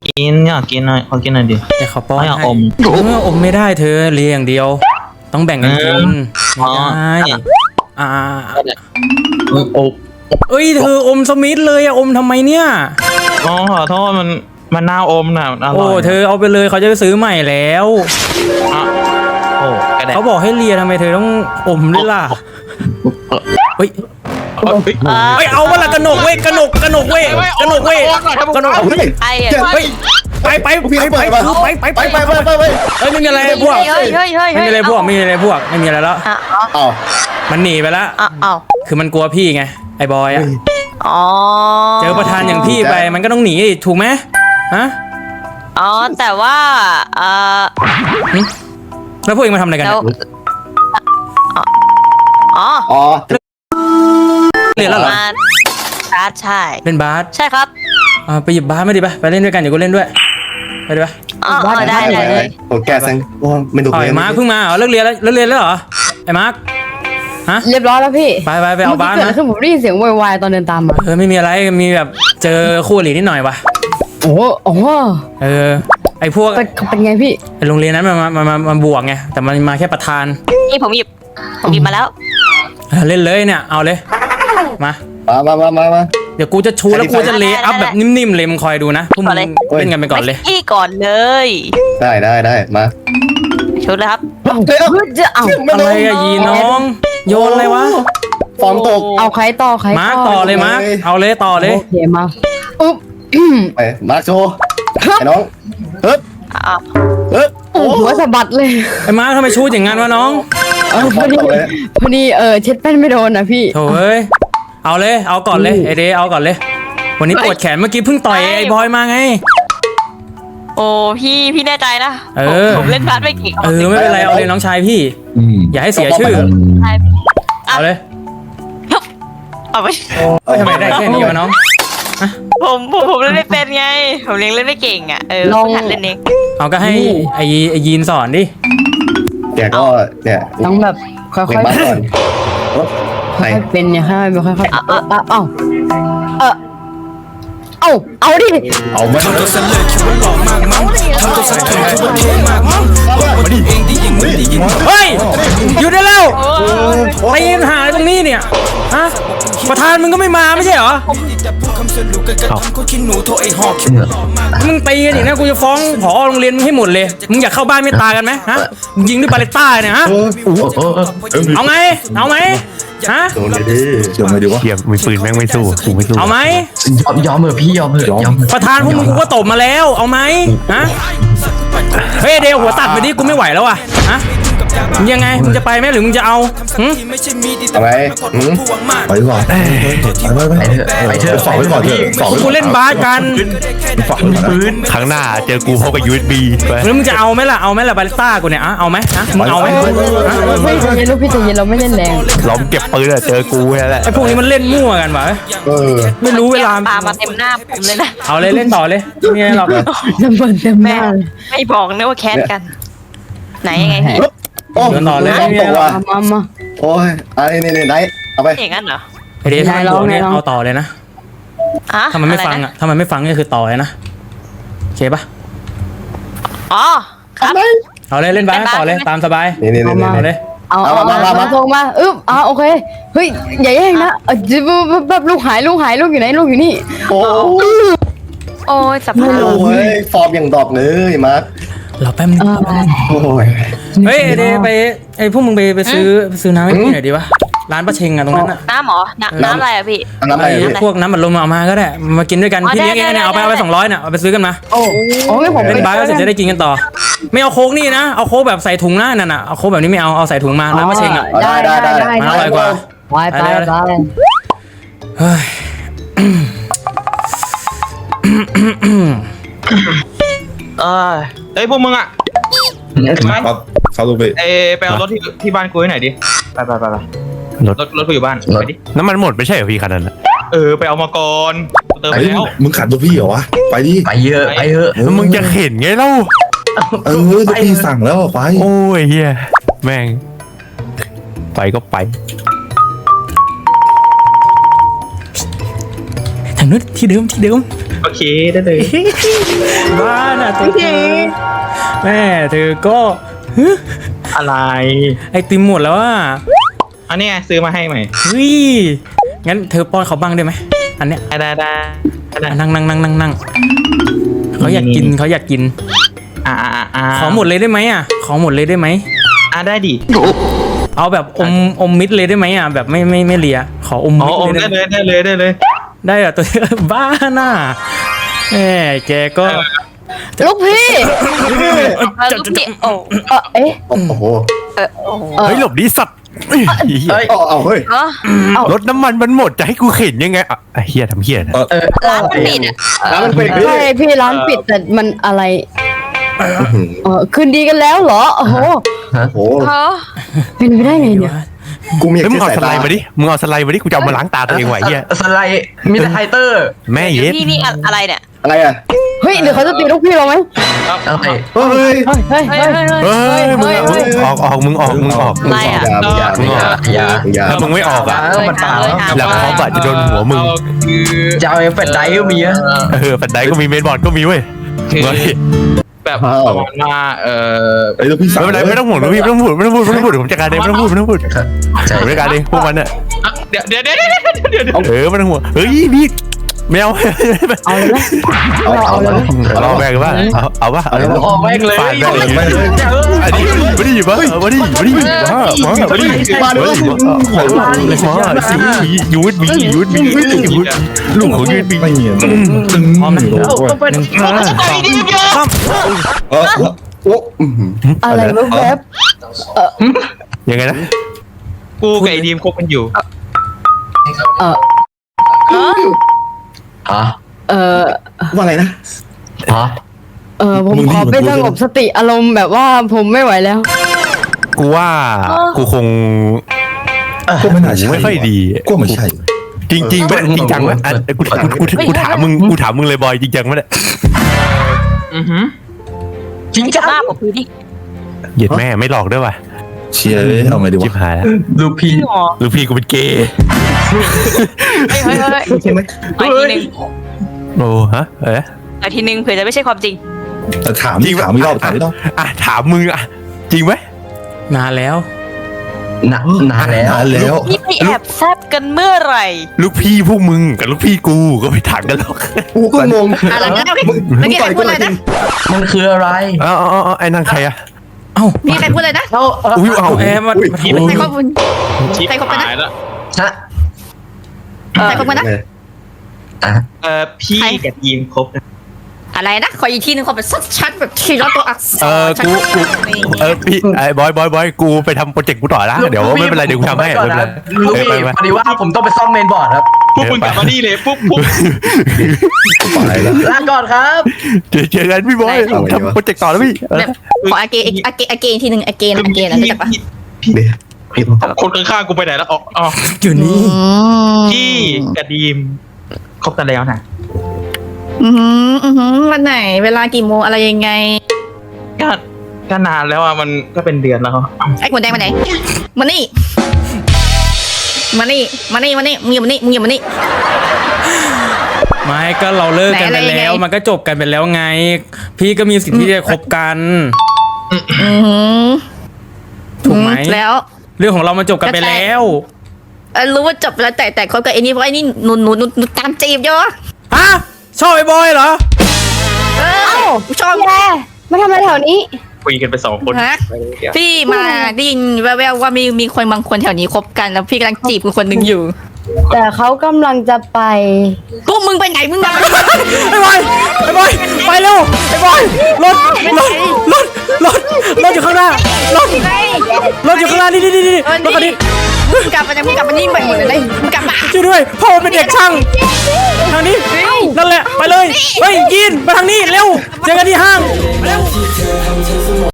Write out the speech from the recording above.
อยากกินหน่อยขอกินหน่อยดิแต่เขาป้อนไม่ให้เอาอมอมไม่ได้เธอเลียอย่างเดียว ต้องแบ่งกันกินอ๋อไม่ได้อ่าโอ้เอ้ยเธออมสมิธเลยอะอมทำไมเนี่ยขอโทษมันน่าอมน่ะมันอร่โอ้อยเธอเอาไปเลยเขาจะไปซื้อใหม่แล้วอ่ะโอ้กระแดะเขาบอกให้เลียทำไมเธอต้องอมด้วยล่ะเฮ้ย เฮ้ยเอามาละกระหนกเว้ยกระหนกเว้ยกระหนกเว้ยกระหนกเอาเฮ้ยไอ้อะเฮ้ยไปเฮ้ยไม่มีอะไรพวกเฮ้ยไม่มีอะไรพวกไม่มีอะไรพวกไม่มีอะไรแล้วเอามันหนีไปแล้วอ้าวคือมันกลัวพี่ไงไอ้บอยอะอ๋อเจอประธานอย่างพี่ไปมันก็ต้องหนีดิถูกไหมฮะอ๋อแต่ว่าแล้วพวกเองมาทำอะไรกันแล้เนี่วย อ๋ออ๋อเรียนแล้วเหรอมาใช่เล่นบาสใช่ครับไปหยิบบาสมาดิไปเล่นด้วยกันเดี๋ยวกูเล่นด้วยไปดิปะอ๋อได้เลยโอ้แกสังโอ้ไม่ดูอ๋อเลยไอ้มาร์คเพิ่งมาเหรอเลิกเรียนแล้วเหรอไอ้มาร์คฮะเรียบร้อยแล้วพี่ไปเอาบาสเมื่อกี้เกิดมาอะไรขึ้นผมได้ยินเสียงโวยวายตอนเดินตามมาไม่มีอะไรมีแบบเจอคู่อรินิดหน่อยวะโอ้โหไอ้พวกเป็นไงพี่ไอ้โรงเรียนนั้นมาบวกไงแต่มันมาแค่ประธานนี่ผมหยิบมาแล้วเล่นเลยเนี่ยเอาเลยมามาเดี๋ยวกูจะชูแล้วกูจะเลย์อัพแบบนิ่มๆเลยมึงคอยดูนะพวกมึงเล่นกันไปก่อนเลยพี่ก่อนเลยได้มาชุดเลยครับเฮ้ยจะเอาอะไรอะยีน้องโยนอะไรวะฟอร์มตกเอาใครต่อมาร์กต่อเลยมาร์กเอาเลยต่อเลยโอเคมาอุ๊บไปมาร์คโชว์ไอ้น้องเฮ้ยอ้าวหัวสะบัดเลยไอ้มาร์กทำไมชูอย่างงั้นวะน้องพอดีเช็ดแป้นไม่โดนนะพี่โถ่เอ้ยเอาเลยเอาก่อนเลยไอเดย์เอาก่อนเลย วันนี้ปวดแขนเมื่อกี้เพิ่งต่อยไอ้บอยมาไงโอ้พี่แน่ใจนะ ผมเล่นบาสไม่เก่งไม่เป็นไรเอาเลยน้องชายพี่อย่าให้เสียชื่อเอาเลยเอาไปทำไมได้แค่นี้วะน้องผมเล่นไม่เป็นไงผมเล่นไม่เก่งอ่ะหัดเล่นเองเอาก็ให้ไอ้ยีนสอนดิแกก็เนี่ยต้องแบบค่อยเล็งบ้านก่อนไหนๆเป็นเนี่ยค่อยๆค่อยๆเอาดิเอามาทำตัวเสลอคิดว่าหล่อมากมั้งทำตัวสะทุนคิดว่าเท่มากมั้งบอกว่าตัวเองได้ยินเหมือนได้ยินเฮ้ยหยุดได้แล้วตีปัญหาอะไรตรงนี้เนี่ยฮะประธานมึงก็ไม่มาไม่ใช่เหรอแต่พูดคำสรุปกันกระทำคนขี้หนูโทรไอ้หอกคิดว่าหล่อมากมึงตีกันอีกนะกูจะฟ้องผอโรงเรียนมึงให้หมดเลยมึงอยากเข้าบ้านไม่ตายกันไหมฮะมึงยิงด้วยบาเลต้าเนี่ยฮะเอาไงเอาไหมฮะโดนเลยดิเชื่อไม่ดีวะเทียบมือปืนแม่งไม่สู้กูไม่สู้เอาไหมยอมเถอะพี่ยอมเถอะยอมประธานพวกมึงกูก็ตบมาแล้วเอาไหมฮะเฮ้ยเดวหัวตัดไปดิกูไม่ไหวแล้วอ่ะฮะมึงยังไงมึงจะไปไหมหรือมึงจะเอาหึที่ไม่ใช่มีดีทำไมไปดีกว่าไปเถอะฝากไว้ก่อนเถอะฝากไว้กูเล่นบาสกันฝากไว้ก่อนปืนครั้งหน้าเจอกูพบกับ USB ไปแล้วมึงจะเอาไหมล่ะเอาไหมล่ะบาเลต้ากูเนี่ยเอาไหมฮะมึงเอาไหมฮะไม่ใจเย็นลูกพี่ใจเย็นเราไม่เล่นแรงล้อมเก็บปืนอะเจอกูแค่นั้นแหละไอ้พวกนี้มันเล่นมั่วกันวะ ไม่รู้เวลาปามาเต็มหน้าผมเลยนะเอาเลยเล่นต่อเลยไม่มีอะไรหรอกน้ำเบิร์นเต็มหแม่น้าเลยไม่บอกนะว่าแคสกัน ไหนยังไงพี่โอ้เดินต่อเลยฟอร์มตกว่ะมาโอ้ยนี่ไหนเอาไปอย่างนั้นเหรอไอเดย์ถ้ามันโดนเนี่ยเอาต่อเลยนะอ่ะถ้ามันไม่ฟังอ่ะถ้ามันไม่ฟังก็คือต่อเลยนะโอเคปะอ๋อครับเอาเลยเล่นบาสต่อเลยตามสบายนี่เอาเลยเอาส่งมาโอเคเฮ้ยอย่าแย่งนะแบบลูกหายลูกอยู่ไหนลูกอยู่นี่โอ้โอ้ยสภาพยฟอร์มอย่างดอกเลยมาร์คเราแป๊บนึงโอ้ยเฮ้ยไอเดย์ไปไอพวกมึงไปซื้อน้ำให้พี่หน่อยดีวะร้านป้าเชงอะตรงนั้นอะน้ำหรอน้ำอะไรอะพี่น้ำอะไรไอพวกน้ำบัดลมเอามาก็ได้มากินด้วยกันพี่เลี้ยงเองเนี่ยเอาไป200เนี่ยเอาไปซื้อกันมาโอ้ไม่ผมเล่นบาสก็เสร็จจะได้กินกันต่อ ไม่เอาโค้กนี่นะเอาโค้กแบบใส่ถุงนะนั่นน่ะเอาโค้กแบบนี้ไม่เอาใส่ถุงมาร้านป้าเชงอะได้มันอร่อยกว่าไปเฮ้ยเฮ้ยพวกมึงอ่ะครับครับลูกพี่ไปเอารถที่บ้านกูให้หน่อยดิไปรถกูอยู่บ้านไปดิน้ำมันหมดไม่ใช่เหรอพี่คันนั้นอะไปเอามาก่อนเติมไปเฮ้ยแล้วมึงขัดลูกพี่เหรอวะไปดิไปเยอะแล้วมึงจะเข็นไงเล่าลูกพี่สั่งแล้วไปโอ้ยเฮียแม่งไปก็ไปทางนู้นที่เดิมโอเคได้เลยบ้าน่ะตัวเธอแม่เธอก็อะไรไอติมหมดแล้วอ่ะอันนี้ไงซื้อมาให้ใหม่เฮ้ยงั้นเธอป้อนเขาบ้างได้ไหมอันเนี้ยได้นั่งเขาอยากกินเขาอยากกิน ขอหมดเลยได้ไหมอ่ะขอหมดเลยได้ไหมได้ดิเอาแบบอมมิดเลยได้ไหมอ่ะแบบไม่เลียขออมอ๋อมิดเลยได้เลยได้เลยได้เหรอตัว บ้าน่ะแหมแกก็ลูกพี่ลูกพี่โอ้เอ๊ะโอ้โหเฮ้ยหลบดิสัตว์เฮ้ยเอาเฮ้ยเออรถน้ำมันมันหมดจะให้กูเข็นยังไงอ่ะไอ้เฮียทำเฮียนะร้านมันปิดอ่ะแล้วมันเป็นใช่พี่ร้านปิดแต่มันอะไรคืนดีกันแล้วเหรอโอ้โหโอ้โหเฮ้อเป็นไปได้ไงเนี่ยกูมีเฮ้ยมึงเอาสายสไลตาด์มาดิมึงเอาสไลด์มาดิกูจะเอามาล้างตาตัวเองไหวเฮียสไลด์มีแต่ไฮเตอร์แม่เย็ดนี่อะไรเนี่ยอะไรอ่ะเฮ้ยเดี๋ยวเขาจะตีลูกพี่เราไหมอะไรเฮ้ยเฮ้ยเฮ้ยเฮ้ยเฮ้ยมึงออกมึงออกอะไรอ่ะอย่าถ้ามึงไม่ออกอ่ะมันตาแล้วเขาบาดจะโดนหัวมึงจะเอาเอฟเฟกต์ไดฟ์ก็มีอะแฟนไดก็มีเมนบอร์ดก็มีเว้ยคือเฮ้ยแบบประมาณว่าไอ้ลูกพี่สาวไม่เป็นไรไม่ต้องห่วงนะพี่ไม่ต้องพูดผมจัดการเองไม่ต้องพูดผมจัดการเองพวกมันอ่ะเดี๋ยวไม่ต้องห่วงเฮ้ยพี่ไม่เอาเอาเลยไหมเอาเลยไหมเอาแบกกันป่ะเอาป่ะออกแม่งเลยฝาดแบกเลยอันนี้ไม่ได้อยู่ป่ะไม่ได้มายูดบีลูกของยูดบีไม่เงียบพร้อมนะโอ้อะไรลูกแป๊บยังไงนะกูกับไอ้ดีมคบกันอยู่ฮะว่าอะไรนะฮะผมขอไปสงบสติอารมณ์แบบว่าผมไม่ไหวแล้วกูว่ากูคงก็ไม่น่าใช่ไม่ค่อยดีก็ไม่ใช่จริงไหมจริงจังไหมกูถามมึงเลยบอยจริงจังไหมเนี่ยจริงจังหน้าผมคือดิเหยียดแม่ไม่หลอกด้วยว่ะเชียร์เลยเอาไงดีชิบวะหายแล้วลูกพี่พี่หมอลูกพี่กูเป็นเกย์เฮ้ยใช่ไหมไปทีนึงโอ้ฮะไปทีนึงเผื่อจะไม่ใช่ความจริงแต่ถามอีกรอบอ่ะถามมึงอ่ะจริงไหมนานแล้วนานแล้วนานแล้วนี่ไปแอบแซบกันเมื่อไหร่ลูกพี่พวกมึงกับลูกพี่กูก็ไม่ถามกันหรอกกูก็งงอะไรนะมึงต่อยกูเลยนะมันคืออะไรอ๋อไอ้นั่นใครอ่ะเอ้ามีใครพูดเลยนะอุ้ยเอาแอมมาใครคบกันชิปใครคบกันนะหายแล้วฮะใครคบกันนะพี่กับดีมคบกันอะไรนะขออีกทีนึงขอแบบชัดๆแบบทีละตัวอักษรกูพี่ไอ้บอยกูไปทำโปรเจกต์กูต่อละเดี๋ยวไม่เป็นไรเดี๋ยวกูทำให้ไม่เป็นไรลูกพี่พอดีว่าผมต้องไปซ่อมเมนบอร์ดครับพวกมึงกลับมานี่เลยปุ๊บอะไรล่ะลาก่อนครับเจอกันพี่บอยทำโปรเจกต์ต่อแล้วพี่แบบขออาเกนอีกทีนึงอาเกนนะรู้จักปะคนข้างๆกูไปไหนแล้วอ๋ออยู่นี่พี่กับดีมคบกันแล้วนะวันไหนเวลากี่โมงอะไรยังไงก็นานแล้วอ่ะมันก็เป็นเดือนแล้วไอ้หัวแดงมาไหนมานี่มึงอย่ามานี่ไม่ก็เราเลิกกันไปแล้วมันก็จบกันไปแล้วไง พี่ก็มีสิทธิ์ที่จะคบกันถูกไหมแล้วเรื่องของเรามันจบกันไปแล้วรู้ว่าจบแล้วแต่คบกับไอ้นี่เพราะไอ้นี่หนูตามจีบเยอะฮะชอบไอ้บอยเหรอชอบแย่มาทำอะไรแถวนี้คุยกันไป2 คนฮะพี่มาได้ยินแววๆว่ามีคนบางคนแถวนี้คบกันแล้วพี่กำลังจีบคนหนึ่งอยู่แต่เขากำลังจะไปพวกมึงไปไหนมึงมาไอ้บอยไปเร็วไอ้บอยรถอยู่ข้างหน้ารถอยู่ข้างหน้านี่รถคันนี้มึงกลับมานี่ไปหมดเลยมึงกลับมาช่วยด้วยพ่อเป็นเด็กช่างทางนี้นั่นแหละไปเลยเฮ้ยยินไปทางนี้เร็วเจอกันที่ห้าง